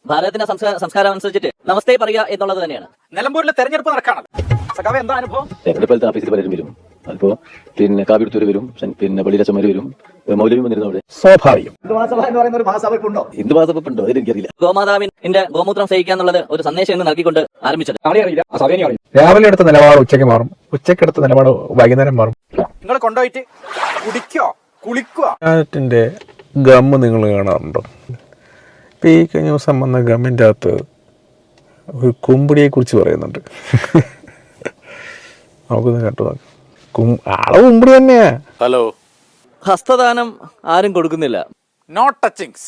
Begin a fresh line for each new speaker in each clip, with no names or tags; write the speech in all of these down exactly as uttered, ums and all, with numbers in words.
ഭാരതത്തിന്റെ സംസ്കാരം അനുസരിച്ചിട്ട് നമസ്തേ പറയുക എന്നുള്ളത് തന്നെയാണ്.
നിലമ്പൂരിൽ തെരഞ്ഞെടുപ്പ് നടക്കാണല്ലോ. സഖാവേ, എന്താ അനുഭവം?
തെരഞ്ഞെടുപ്പ് ഓഫീസിൽ പലരും വരും. അതിപ്പോ പിന്നെ കാവ്യെടുത്തൂര് വരും, പിന്നെ പള്ളിയിലച്ചന്മാര് വരും, മൗലവി വന്നിരുന്നു. അവിടെ സ്വാഭാവികം
ഹിന്ദുമഹാസഭ എന്ന് പറയുന്ന ഒരു മഹാസഭ ഉണ്ടോ?
ഹിന്ദു മഹാസഭ ഉണ്ടോ അതെനിക്കറിയില്ല.
ഗോമാതാവിന്റെ ഗോമൂത്രം സഹിക്കുക എന്നുള്ളത് ഒരു സന്ദേശം എന്ന് നൽകിക്കൊണ്ട് ആരംഭിച്ചത്.
രാവിലെ എടുത്ത നിലപാട് ഉച്ചയ്ക്ക് മാറും, ഉച്ചയ്ക്ക് എടുത്ത നിലപാട് വൈകുന്നേരം മാറും.
നിങ്ങൾ കൊണ്ടുപോയിട്ട് കുടിക്കോ കുളിക്കോ?
ാറ്റിന്റെ ഗമ്മ് നിങ്ങൾ കാണാറുണ്ടോ? ഇപ്പം ഈ കഴിഞ്ഞ ദിവസം വന്ന ഗമ്മിൻ്റെ അകത്ത് ഒരു കുമ്പിടിയെ കുറിച്ച് പറയുന്നുണ്ട്. നമുക്കൊന്ന് കേട്ടു നോക്കാം. ആളെ കുമ്പിടി തന്നെയാ.
ഹലോ,
ഹസ്തദാനം ആരും കൊടുക്കുന്നില്ല.
No touchings.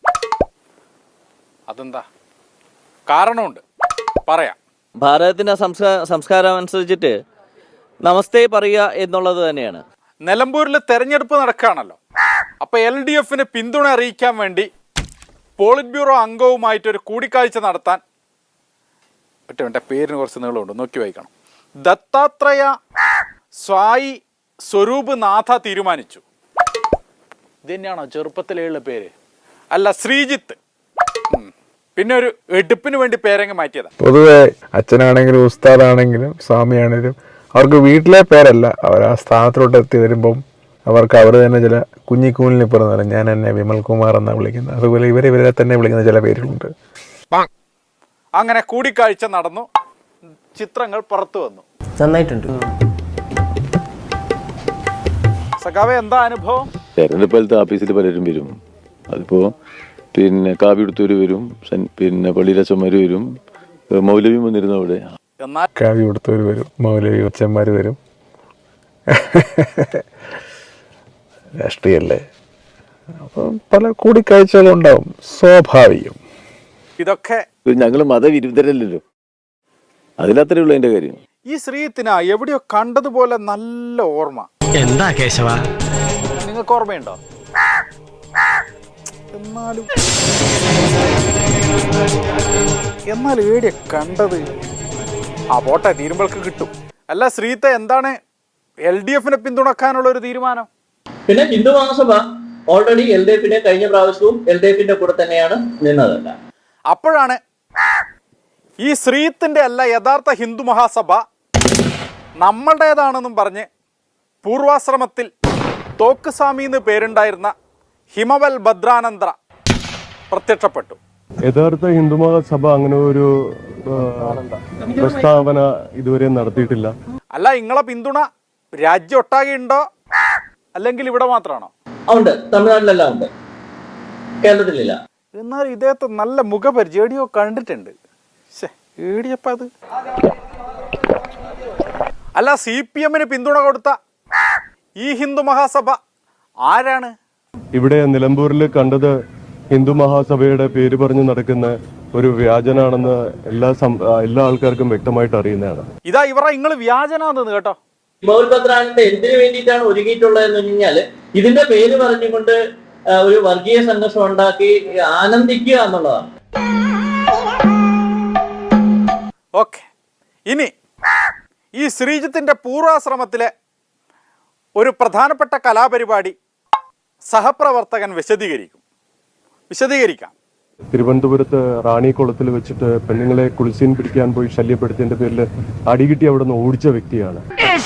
അതെന്താ? കാരണമുണ്ട്, പറയാം.
ഭാരതത്തിന്റെ സംസ്കാരം അനുസരിച്ചിട്ട് നമസ്തേ പറയുക എന്നുള്ളത് തന്നെയാണ്.
നിലമ്പൂരിൽ തെരഞ്ഞെടുപ്പ് നടക്കുകയാണല്ലോ. അപ്പൊ എൽ ഡി എഫിന് പിന്തുണ അറിയിക്കാൻ വേണ്ടി പോളിറ്റ് ബ്യൂറോ അംഗവുമായിട്ടൊരു കൂടിക്കാഴ്ച നടത്താൻ ഒറ്റ എൻ്റെ പേരിന് കുറച്ച് നീളമുണ്ട്, നോക്കി വായിക്കണം. ദത്താത്രേയ സ്വായി സ്വരൂപ് നാഥ തീരുമാനിച്ചു. ഇത് തന്നെയാണോ ചെറുപ്പത്തിലുള്ള പേര്? അല്ല, ശ്രീജിത്ത്. പിന്നെ ഒരു എടുപ്പിന് വേണ്ടി പേരങ്ങ് മാറ്റിയതാ.
പൊതുവെ അച്ഛനാണെങ്കിലും ഉസ്താദാണെങ്കിലും സ്വാമിയാണെങ്കിലും അവർക്ക് വീട്ടിലെ പേരല്ല, അവർ ആ സ്ഥാനത്തിലോട്ട് എത്തി വരുമ്പം അവർക്ക് അവർ തന്നെ ചില കുഞ്ഞിക്കൂലിന് പറഞ്ഞാൽ ഞാൻ എന്നെ വിമൽ കുമാർ എന്നാണ് വിളിക്കുന്നത്. അതുപോലെ ഇവരെ ഇവരെ തന്നെ വിളിക്കുന്ന ചില പേരുകളുണ്ട്.
അങ്ങനെ കൂടിക്കാഴ്ച നടന്നു, ചിത്രങ്ങൾ പുറത്തു വന്നു.
നന്നായിട്ടുണ്ട്.
സഖാവേ, എന്താ അനുഭവം?
തെരഞ്ഞെടുപ്പ് ഓഫീസിൽ പലരും വരും. അതിപ്പോ പിന്നെ കാവ്യെടുത്തൂര് വരും, പിന്നെ പള്ളിയിലച്ചന്മാര് വരും, മൗലവി വന്നിരുന്നു. അവിടെ
എന്നാൽ
കാവ്യ കൊടുത്തവർ വരും, മൗലവി അച്ഛന്മാർ വരും. രാഷ്ട്രീയല്ലേ, അപ്പം പല കൂടിക്കാഴ്ചകളും ഉണ്ടാവും, സ്വാഭാവികം.
ഇതൊക്കെ
ഞങ്ങള് മതവിരുദ്ധരല്ലല്ലോ, അതിലത്രേ ഉള്ളൂ അതിന്റെ കാര്യം.
ഈ ശ്രീത്തിന എവിടെയോ കണ്ടതുപോലെ നല്ല ഓർമ്മ.
എന്താ കേശവ,
നിങ്ങൾക്ക് ഓർമ്മയുണ്ടോ? എന്നാലും എന്നാലും എവിടെയാ കണ്ടത്? ആ പോട്ടെ, തീരുമ്പോൾക്ക് കിട്ടും. അല്ല ശ്രീത്തെ, എന്താണ് എൽ ഡി എഫിനെ പിന്തുണക്കാനുള്ള ഒരു തീരുമാനം?
പിന്നെ Hindu Mahasabha already L D എഫിന്റെ കഴിഞ്ഞ പ്രാവശ്യവും എൽ ഡി എഫിന്റെ കൂടെ തന്നെയാണ് നിന്നതല്ല.
അപ്പോഴാണ് ഈ ശ്രീത്തിന്റെ അല്ല യഥാർത്ഥ ഹിന്ദു മഹാസഭ നമ്മളുടേതാണെന്നും പറഞ്ഞ് പൂർവാശ്രമത്തിൽ തോക്കുസ്വാമി എന്ന് പേരുണ്ടായിരുന്ന ഹിമവൽ ഭദ്രാനന്ദ പ്രത്യക്ഷപ്പെട്ടു.
യഥാർത്ഥ ഹിന്ദു മഹാസഭ അങ്ങനെ ഒരു പ്രസ്താവന ഇതുവരെ നടത്തിയിട്ടില്ല.
അല്ല, നിങ്ങളെ പിന്തുണ രാജ്യം ഒട്ടാകെ ഉണ്ടോ, അല്ലെങ്കിൽ ഇവിടെ മാത്രമാണോ?
ഉണ്ട്, തമിഴ്നാട്ടിലെല്ലാം ഉണ്ട്, കേരളത്തിലില്ല.
എന്നാൽ ഇദ്ദേഹത്തെ നല്ല മുഖപരിചയം എടിയോ കണ്ടിട്ടുണ്ട്. ഏടിയപ്പ അത് അല്ല, സി പി എമ്മിന് പിന്തുണ കൊടുത്ത ഈ ഹിന്ദു മഹാസഭ ആരാണ്?
ഇവിടെ നിലമ്പൂരിൽ കണ്ടത് ഹിന്ദു മഹാസഭയുടെ പേര് പറഞ്ഞു നടക്കുന്ന ഒരു വ്യാജനാണെന്ന് എല്ലാ എല്ലാ ആൾക്കാർക്കും വ്യക്തമായിട്ട് അറിയുന്നതാണ്.
ഇതാ ഇവരെ നിങ്ങൾ വ്യാജനാന്ന് കേട്ടോ.
ഹിമവൽ ഭദ്രാനന്ദ എന്തിനു വേണ്ടിയിട്ടാണ് ഒരുങ്ങിയിട്ടുള്ളതെന്ന് കഴിഞ്ഞാൽ ഇതിന്റെ പേര് പറഞ്ഞുകൊണ്ട് ഒരു വർഗീയ സംഘർഷം ഉണ്ടാക്കി ആനന്ദിക്കുക എന്നുള്ളതാണ്.
ഓക്കെ, ഇനി ഈ ശ്രീജിത്തിന്റെ പൂർവാശ്രമത്തിലെ ഒരു പ്രധാനപ്പെട്ട കലാപരിപാടി സഹപ്രവർത്തകൻ വിശദീകരിക്കും വിശദീകരിക്കാം
തിരുവനന്തപുരത്ത് റാണിക്കുളത്തിൽ വെച്ചിട്ട് പെണ്ണുങ്ങളെ കുളിസീൻ പിടിക്കാൻ പോയി ശല്യപ്പെടുത്തിയതിന്റെ പേരിൽ അടികിട്ടി അവിടെ നിന്ന് ഓടിച്ച വ്യക്തിയാണ്.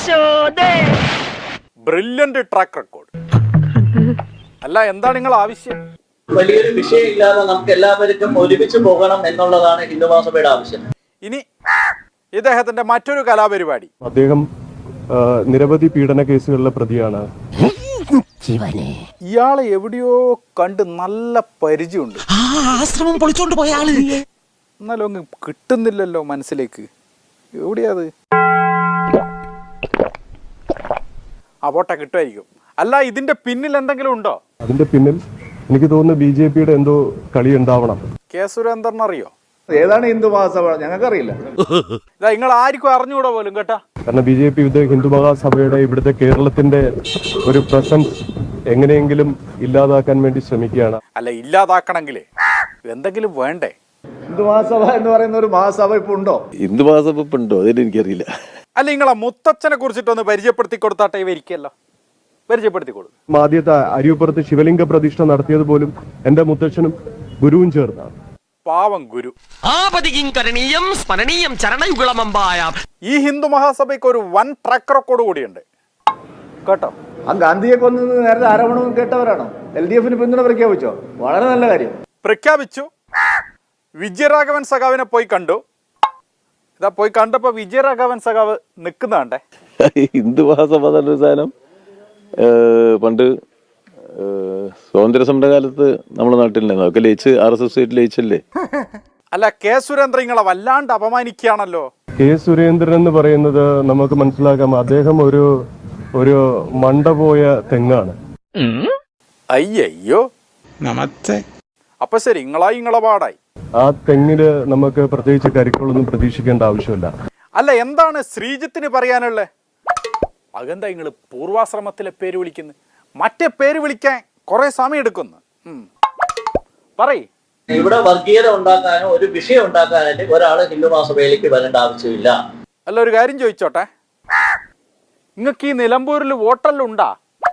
Brilliant track record. അല്ല, എന്താണ് നിങ്ങൾ ആവശ്യം?
വലിയൊരു വിഷയമില്ലാതെ നമുക്ക് എല്ലാവർക്കും ഒരുമിച്ച് പോകണം എന്നുള്ളതാണ് ഹിന്ദു മഹാസഭയുടെ ആവശ്യം.
ഇനി ഇദ്ദേഹത്തിന്റെ മറ്റൊരു കലാപരിപാടി.
അദ്ദേഹം നിരവധി പീഡന കേസുകളിലെ പ്രതിയാണ്.
ഇയാളെ എവിടെയോ കണ്ട് നല്ല പരിചയമുണ്ട്.
ആശ്രമം പൊളിച്ചോണ്ട് പോയ ആള്.
എന്നാലും അങ്ങ് കിട്ടുന്നില്ലല്ലോ മനസ്സിലേക്ക്. എവിടെയാത്? ആ പോട്ടെ, കിട്ടുമായിരിക്കും. അല്ല, ഇതിന്റെ പിന്നിൽ എന്തെങ്കിലും ഉണ്ടോ?
അതിന്റെ പിന്നിൽ എനിക്ക് തോന്നുന്നു ബി ജെ പിയുടെ എന്തോ കളി ഉണ്ടാവണം.
കെ സുരേന്ദ്രൻ അറിയോ?
ഏതാണ് ഹിന്ദു മഹാസഭ? ഞങ്ങൾക്കറിയില്ല.
ഇതാ നിങ്ങൾ ആർക്കും അറിഞ്ഞുകൂടാ പോലും കേട്ടാ.
കാരണം ബി ജെ പി ഇത് ഹിന്ദു മഹാസഭയുടെ ഇവിടുത്തെ കേരളത്തിന്റെ ഒരു പ്രസൻസ് എങ്ങനെയെങ്കിലും ഇല്ലാതാക്കാൻ വേണ്ടി ശ്രമിക്കുകയാണ്.
അല്ല, ഇല്ലാതാക്കണമെങ്കിലേ എന്തെങ്കിലും വേണ്ടേ?
ഹിന്ദു മഹാസഭ എന്ന് പറയുന്ന ഒരു മഹാസഭ ഇപ്പൊ ഉണ്ടോ?
ഹിന്ദു മഹാസഭ ഇപ്പൊ ഉണ്ടോ അതെനിക്ക് എനിക്കറിയില്ല.
അല്ല, നിങ്ങളെ മുത്തച്ഛനെ കുറിച്ചിട്ടൊന്ന് പരിചയപ്പെടുത്തി കൊടുത്താട്ടെ. ഇവരിക്കല്ലോ, പരിചയപ്പെടുത്തി കൊടുക്കും.
ആദ്യത്തെ അരിയപ്പുറത്ത് ശിവലിംഗ പ്രതിഷ്ഠ നടത്തിയത് പോലും എന്റെ മുത്തച്ഛനും ഗുരുവും ചേർന്നാണ്.
പാവം ഗുരു.
ആപതികിം കരണീയം സ്മരണീയം ചരണയുഗളമമ്പായാം.
ഈ ഹിന്ദു മഹാസഭയ്ക്ക് ഒരു വൻ ട്രാക്ക് റെക്കോർഡ് കൂടിയുണ്ട് കേട്ടോ.
ആ ഗാന്ധിയെ കൊന്നത് നേരത്തെ ആരോപണം കേട്ടവരാണോ? എൽ ഡി എഫിന് പിന്തുണ പ്രഖ്യാപിച്ചോ? വളരെ നല്ല കാര്യം.
പ്രഖ്യാപിച്ചു. വിജയരാഘവൻ സഖാവിനെ പോയി കണ്ടു. ഇതാ പോയി കണ്ടപ്പോ വിജയരാഘവൻ സഖാവ് നിൽക്കുന്നതാണ്ടേ.
ഹിന്ദു മഹാസഭ എന്നൊരു സാധനം ഏഹ്, പണ്ട് ഏഹ്, സ്വാതന്ത്ര്യ സമരകാലത്ത് നമ്മുടെ നാട്ടിലുണ്ടായിരുന്നു. അതൊക്കെ ലയിച്ച് ആർ എസ് എസ് ആയിട്ട് ലയിച്ചല്ലേ.
അല്ല, കെ സുരേന്ദ്രൻ നിങ്ങളെ വല്ലാണ്ട് അപമാനിക്കുകയാണല്ലോ.
കെ സുരേന്ദ്രൻ എന്ന് പറയുന്നത് നമുക്ക് മനസ്സിലാക്കാം, അദ്ദേഹം ഒരു ഒരു മണ്ട പോയ തെങ്ങാണ്.
അയ്യോ
നമസ്തേ.
അപ്പൊ ശരി, നിങ്ങളായി നിങ്ങളെ പാടായി.
ആ തെങ്ങില് നമുക്ക് പ്രത്യേകിച്ച് കരിക്കുകളൊന്നും പ്രതീക്ഷിക്കേണ്ട ആവശ്യമില്ല.
അല്ല, എന്താണ് ശ്രീജിത്തിന് പറയാനുള്ളത്? അതെന്താ നിങ്ങൾ പൂർവാശ്രമത്തിലെ പേര് വിളിക്കുന്നത്? മറ്റേ പേര് വിളിക്കാൻ കുറെ സമയം എടുക്കുന്നു. പറയ്.
ഇവിടെ വർഗീയത ഉണ്ടാക്കാനോ ഒരു വിഷയം ഉണ്ടാക്കാനായിട്ട് ഒരാൾ ഹിന്ദു മഹാസഭയിലേക്ക് വരേണ്ട ആവശ്യമില്ല.
അല്ല, ഒരു കാര്യം ചോദിച്ചോട്ടെ, നിങ്ങൾക്ക് ഈ നിലമ്പൂരിൽ വോട്ടെല്ലാം ഉണ്ടാ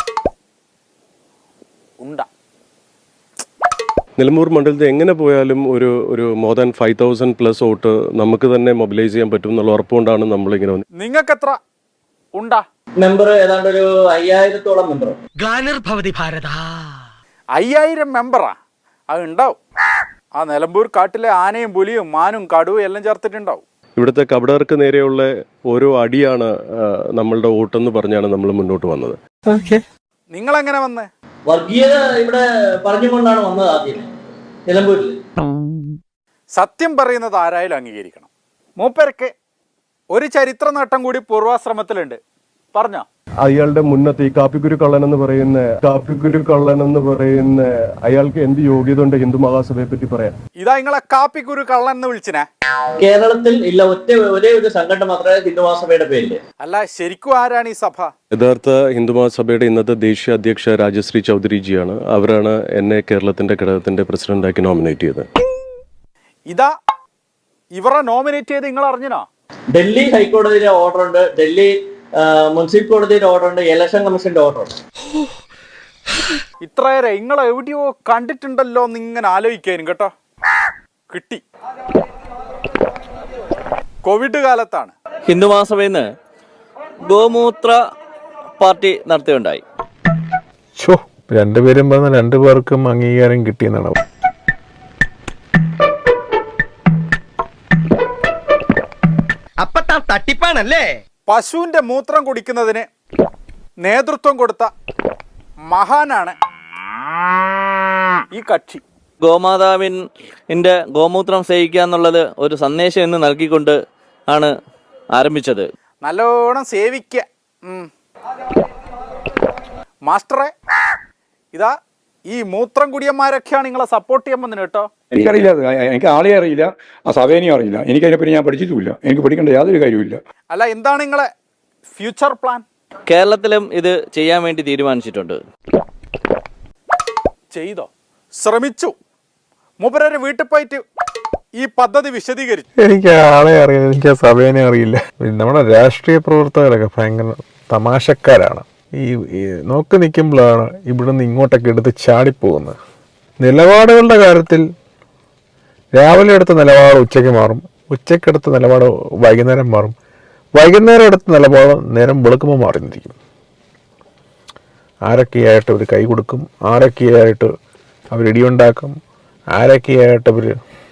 ഉണ്ടാ
നിലമ്പൂർ മണ്ഡലത്തിൽ എങ്ങനെ പോയാലും ഒരു ഒരു more than five thousand plus vote നമുക്ക് തന്നെ മൊബിലൈസ് ചെയ്യാൻ പറ്റും എന്നുള്ള ഉറപ്പുകൊണ്ടാണ് നമ്മളിങ്ങനെ വന്നത്.
നിങ്ങൾക്ക് എത്ര ഉണ്ടാ?
മെമ്പർ ഏതാണ്ട് ഒരു അയ്യായിരത്തോളം മെമ്പർ.
ഗ്ലാനിർഭവതി ഭാരത.
അയ്യായിരം മെമ്പറാ? അത് ഉണ്ടാവും. ആ നിലമ്പൂർ കാട്ടിലെ ആനയും പുലിയും മാനും കടുവും എല്ലാം ചേർത്തിട്ടുണ്ടാവും.
ഇവിടുത്തെ കപടർക്ക് നേരെയുള്ള ഓരോ അടിയാണ് നമ്മളുടെ വോട്ടെന്ന് പറഞ്ഞാണ് നമ്മൾ മുന്നോട്ട് വന്നത്.
നിങ്ങൾ എങ്ങനെ വന്ന്?
വർഗീയത ഇവിടെ പറഞ്ഞുകൊണ്ടാണ് വന്നത് ആദ്യം നിലമ്പൂരിൽ.
സത്യം പറയുന്നത് ആരായാലും അംഗീകരിക്കണം. മൂപ്പർക്ക് ഒരു ചരിത്ര നേട്ടം കൂടി പൂർവാശ്രമത്തിലുണ്ട്. പറഞ്ഞോ?
അയാളുടെ മുന്നത്തെ ഈ കാപ്പിക്കുരു കള്ളൻ എന്ന് പറയുന്ന കാപ്പിക്കുരു കള്ളൻ എന്ന് പറയുന്ന അയാൾക്ക് എന്ത് യോഗ്യത ഉണ്ട് ഹിന്ദു മഹാസഭയെ പറ്റി പറയാൻ?
ഇതാ നിങ്ങളെ കാപ്പിക്കുരു കള്ളൻ എന്ന് വിളിച്ചിനെ?
കേരളത്തിൽ ഇല്ല, ഒറ്റ ഒരേ ഒരു സംഘടന മാത്രമേ ഹിന്ദു മഹാസഭയുടെ പേരില്.
അല്ല, ശരിക്കും ആരാണ് ഈ സഭ?
യഥാർത്ഥ ഹിന്ദു മഹാസഭയുടെ ഇന്നത്തെ ദേശീയ അധ്യക്ഷ രാജശ്രീ ചൗധരിജിയാണ്. അവരാണ് എന്നെ കേരളത്തിന്റെ ഘടകത്തിന്റെ പ്രസിഡന്റാക്കി നോമിനേറ്റ് ചെയ്തത്.
ഇതാ ഇവരെ നോമിനേറ്റ് ചെയ്ത് നിങ്ങൾ അറിഞ്ഞോ?
ഡൽഹി ഹൈക്കോടതിയുടെ ഓർഡർ ഉണ്ട്, ഡൽഹി മുനിസിപ്പൽ കോടതിയുടെ ഓർഡർ ഉണ്ട്, ഇലക്ഷൻ കമ്മീഷന്റെ ഓർഡർ ഉണ്ട്.
ഇത്രയേറെ നിങ്ങളെ എവിടെയോ കണ്ടിട്ടുണ്ടല്ലോ എന്ന് ഇങ്ങനെ ആലോചിക്കാനും കേട്ടോ. കിട്ടി. കോവിഡ് കാലത്താണ്
ഹിന്ദു മഹാസഭയിൽ നിന്ന് ഗോമൂത്ര പാർട്ടി നടത്തുകയുണ്ടായി.
ഷോ, രണ്ടുപേരും പറഞ്ഞ രണ്ടു പേർക്കും അംഗീകാരം കിട്ടിയെന്നാണ്.
അപ്പൊ താൻ തട്ടിപ്പാണല്ലേ?
പശുവിന്റെ മൂത്രം കുടിക്കുന്നതിന് നേതൃത്വം കൊടുത്ത മഹാനാണ് ഈ കക്ഷി.
ഗോമാതാവിൻ്റെ ഗോമൂത്രം സേവിക്കുക എന്നുള്ളത് ഒരു സന്ദേശം എന്ന് നൽകിക്കൊണ്ട് ആണ് ആരംഭിച്ചത്.
നല്ലോണം സേവിക്കുക. മാസ്റ്ററെ, ഇതാ ഈ മൂത്രം കുടിയന്മാരൊക്കെയാണ് നിങ്ങളെ സപ്പോർട്ട് ചെയ്യാൻ വന്നത് കേട്ടോ.
എനിക്കറിയില്ല, എനിക്ക് ആളെ അറിയില്ല, ആ സഭേനെയും അറിയില്ല, എനിക്ക് അതിനെപ്പറ്റി ഞാൻ പഠിച്ചിട്ടുമില്ല, എനിക്ക് പഠിക്കേണ്ട യാതൊരു കാര്യമില്ല.
അല്ല, എന്താണ് നിങ്ങളെ ഫ്യൂച്ചർ പ്ലാൻ?
കേരളത്തിലും ഇത് ചെയ്യാൻ വേണ്ടി തീരുമാനിച്ചിട്ടുണ്ട്.
ചെയ്തോ? ശ്രമിച്ചു? മൂപ്പരെ വീട്ടിൽ പോയിട്ട് ഈ പദ്ധതി വിശദീകരിച്ചു?
എനിക്ക് ആളെ അറിയില്ല, എനിക്ക് ആ സഭേനെ അറിയില്ല. നമ്മുടെ രാഷ്ട്രീയ പ്രവർത്തകരൊക്കെ ഭയങ്കര തമാശക്കാരാണ്. ഈ നോക്കി നിൽക്കുമ്പോഴാണ് ഇവിടുന്ന് ഇങ്ങോട്ടൊക്കെ എടുത്ത് ചാടിപ്പോകുന്നത്. നിലപാടുകളുടെ കാര്യത്തിൽ രാവിലെ എടുത്ത നിലപാട് ഉച്ചയ്ക്ക് മാറും, ഉച്ചയ്ക്കെടുത്ത നിലപാട് വൈകുന്നേരം മാറും, വൈകുന്നേരം എടുത്ത നിലപാട് നേരം വെളുക്കുമ്പോൾ മാറിയിരിക്കും. ആരൊക്കെയായിട്ട് അവർ കൈ കൊടുക്കും, ആരൊക്കെയായിട്ട് അവർ ഇടിയുണ്ടാക്കും, ആരൊക്കെയായിട്ട് അവർ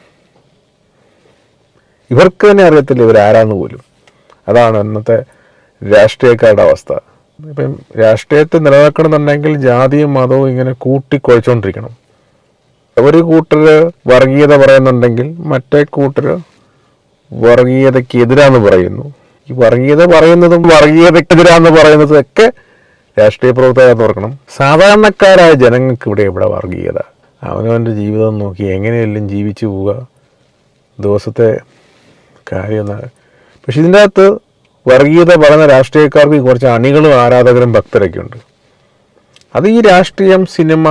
ഇവർക്ക് തന്നെ അറിയത്തില്ല ഇവരാരാന്ന് പോലും. അതാണ് ഇന്നത്തെ രാഷ്ട്രീയക്കാരുടെ അവസ്ഥ. ഇപ്പം രാഷ്ട്രീയത്തെ നിലനിൽക്കണമെന്നുണ്ടെങ്കിൽ ജാതിയും മതവും ഇങ്ങനെ കൂട്ടിക്കുഴച്ചുകൊണ്ടിരിക്കണം. ഒരു കൂട്ടർ വർഗീയത പറയുന്നുണ്ടെങ്കിൽ മറ്റേ കൂട്ടർ വർഗീയതയ്ക്ക് എതിരാന്ന് പറയുന്നു. ഈ വർഗീയത പറയുന്നതും വർഗീയതയ്ക്കെതിരാന്ന് പറയുന്നതും ഒക്കെ രാഷ്ട്രീയ പ്രവർത്തകർ ഓർക്കണം. സാധാരണക്കാരായ ജനങ്ങൾക്ക് ഇവിടെ ഇവിടെ വർഗീയത. അവനവൻ്റെ ജീവിതം നോക്കി എങ്ങനെയെല്ലാം ജീവിച്ചു പോവുക, ദിവസത്തെ കാര്യം. പക്ഷെ ഇതിൻ്റെ അകത്ത് വർഗീയത പറയുന്ന രാഷ്ട്രീയക്കാർക്ക് കുറച്ച് അണികളും ആരാധകരും ഭക്തരൊക്കെ ഉണ്ട്. അത് ഈ രാഷ്ട്രീയം, സിനിമ,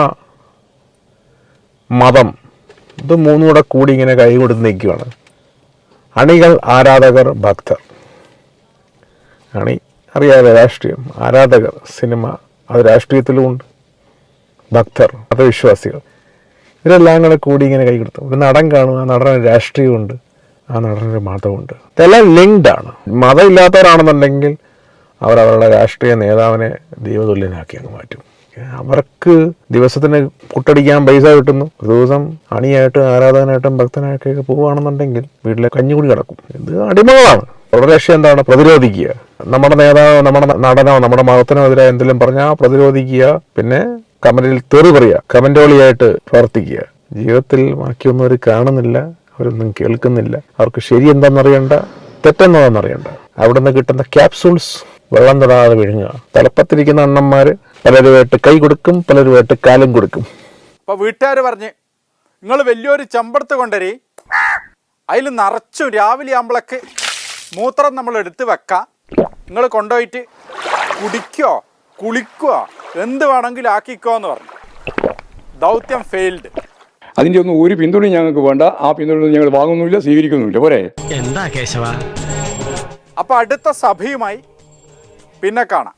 മതം, ഇത് മൂന്നും കൂടെ കൂടി ഇങ്ങനെ കൈ കൊടുത്ത് നിൽക്കുകയാണ്. അണികൾ, ആരാധകർ, ഭക്തർ. അണി അറിയാതെ രാഷ്ട്രീയം, ആരാധകർ, സിനിമ, അത് രാഷ്ട്രീയത്തിലും ഉണ്ട്. ഭക്തർ, മതവിശ്വാസികൾ, ഇവരെല്ലാം കൂടെ കൂടി ഇങ്ങനെ കൈ കൊടുത്തു. ഒരു നടൻ കാണും, ആ നടന് രാഷ്ട്രീയമുണ്ട്, ആ നടനൊരു മതമുണ്ട്. ഇതെല്ലാം ലിങ്ക്ഡ് ആണ്. മതം ഇല്ലാത്തവരാണെന്നുണ്ടെങ്കിൽ അവരവരുടെ രാഷ്ട്രീയ നേതാവിനെ ദൈവതുല്യനാക്കി അങ്ങ് മാറ്റും. അവർക്ക് ദിവസത്തിന് കുട്ടടിക്കാൻ പൈസ കിട്ടുന്നു. ഒരു ദിവസം അണിയായിട്ടും ആരാധകനായിട്ടും ഭക്തനായിട്ടൊക്കെ പോവുകയാണെന്നുണ്ടെങ്കിൽ വീട്ടിലെ കഞ്ഞിക്കുടി കിടക്കും. ഇത് അടിമകളാണ്. അവരുടെ ലക്ഷ്യം എന്താണ്? പ്രതിരോധിക്കുക. നമ്മുടെ നേതാവോ നമ്മുടെ നടനോ നമ്മുടെ മതത്തിനോ എതിരെ എന്തെങ്കിലും പറഞ്ഞാൽ പ്രതിരോധിക്കുക. പിന്നെ കമന്റിൽ തെറി പറയുക, കമന്റോളിയായിട്ട് പ്രവർത്തിക്കുക. ജീവിതത്തിൽ ബാക്കിയൊന്നും അവർ കാണുന്നില്ല, അവരൊന്നും കേൾക്കുന്നില്ല. അവർക്ക് ശരി എന്താണെന്നറിയണ്ട, തെറ്റെന്നതാണെന്നറിയണ്ട. അവിടെ നിന്ന് കിട്ടുന്ന ക്യാപ്സൂൾസ് വെള്ളം തൊടാതെ വിഴുങ്ങുക. തലപ്പത്തിരിക്കുന്ന അണ്ണന്മാര് പലരുമായിട്ട് കൈ കൊടുക്കും, പലരുമായിട്ട് കാലും കൊടുക്കും.
അപ്പൊ വീട്ടുകാർ പറഞ്ഞ് നിങ്ങൾ വലിയൊരു ചെമ്പടത്ത് കൊണ്ടുവരി, അതിൽ നിറച്ചു രാവിലെ ആകുമ്പോഴേക്ക് മൂത്രം നമ്മൾ എടുത്ത് വെക്കാം, നിങ്ങൾ കൊണ്ടുപോയിട്ട് കുടിക്കോ കുളിക്കോ എന്ത് വേണമെങ്കിലും ആക്കിക്കോ എന്ന് പറഞ്ഞു. ദൗത്യം ഫെയിൽഡ്.
അതിൻ്റെ ഒന്നും ഒരു പിന്തുണയും ഞങ്ങൾക്ക് വേണ്ട. ആ പിന്തുണ ഞങ്ങൾ വാങ്ങുന്നില്ല, സ്വീകരിക്കുന്നുമില്ല. പോരെ.
എന്താ കേശവ?
അപ്പൊ അടുത്ത സഭയുമായി പിന്നെ കാണാം.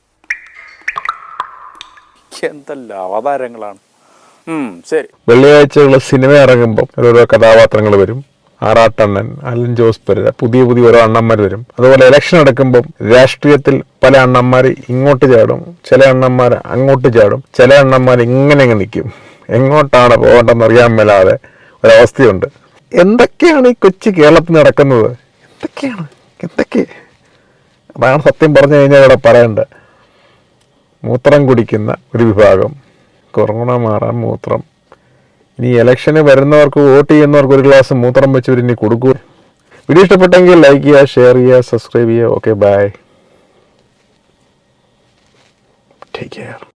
എന്തെല്ലാം അവതാരങ്ങളാണ്. ശരി.
വെള്ളിയാഴ്ചയുള്ള സിനിമ ഇറങ്ങുമ്പോൾ ഓരോ കഥാപാത്രങ്ങൾ വരും. ആറാട്ടണ്ണൻ, അലൻ ജോസ് പെരേര, പുതിയ പുതിയ ഓരോ അണ്ണന്മാർ വരും. അതുപോലെ ഇലക്ഷൻ എടുക്കുമ്പം രാഷ്ട്രീയത്തിൽ പല അണ്ണന്മാർ ഇങ്ങോട്ട് ചാടും, ചില അണ്ണന്മാർ അങ്ങോട്ട് ചാടും, ചില അണ്ണന്മാർ ഇങ്ങനെ അങ്ങ് നിൽക്കും. എങ്ങോട്ടാണ് പോകേണ്ടതെന്ന് അറിയാൻ മേലാതെ ഒരവസ്ഥയുണ്ട്. എന്തൊക്കെയാണ് ഈ കൊച്ചു കേരളത്തിൽ നടക്കുന്നത്? എന്തൊക്കെയാണ് എന്തൊക്കെ അതാണ് സത്യം പറഞ്ഞു കഴിഞ്ഞാൽ ഇവിടെ പറയേണ്ടത്. മൂത്രം കുടിക്കുന്ന ഒരു വിഭാഗം, കൊറോണ മാറാൻ മൂത്രം. ഇനി ഇലക്ഷന് വരുന്നവർക്ക് വോട്ട് ചെയ്യുന്നവർക്ക് ഒരു ഗ്ലാസ് മൂത്രം വെച്ച് ഇനി കൊടുക്കൂ. വീഡിയോ ഇഷ്ടപ്പെട്ടെങ്കിൽ ലൈക്ക് ചെയ്യുക, ഷെയർ ചെയ്യുക, സബ്സ്ക്രൈബ് ചെയ്യുക. Okay, bye, take care.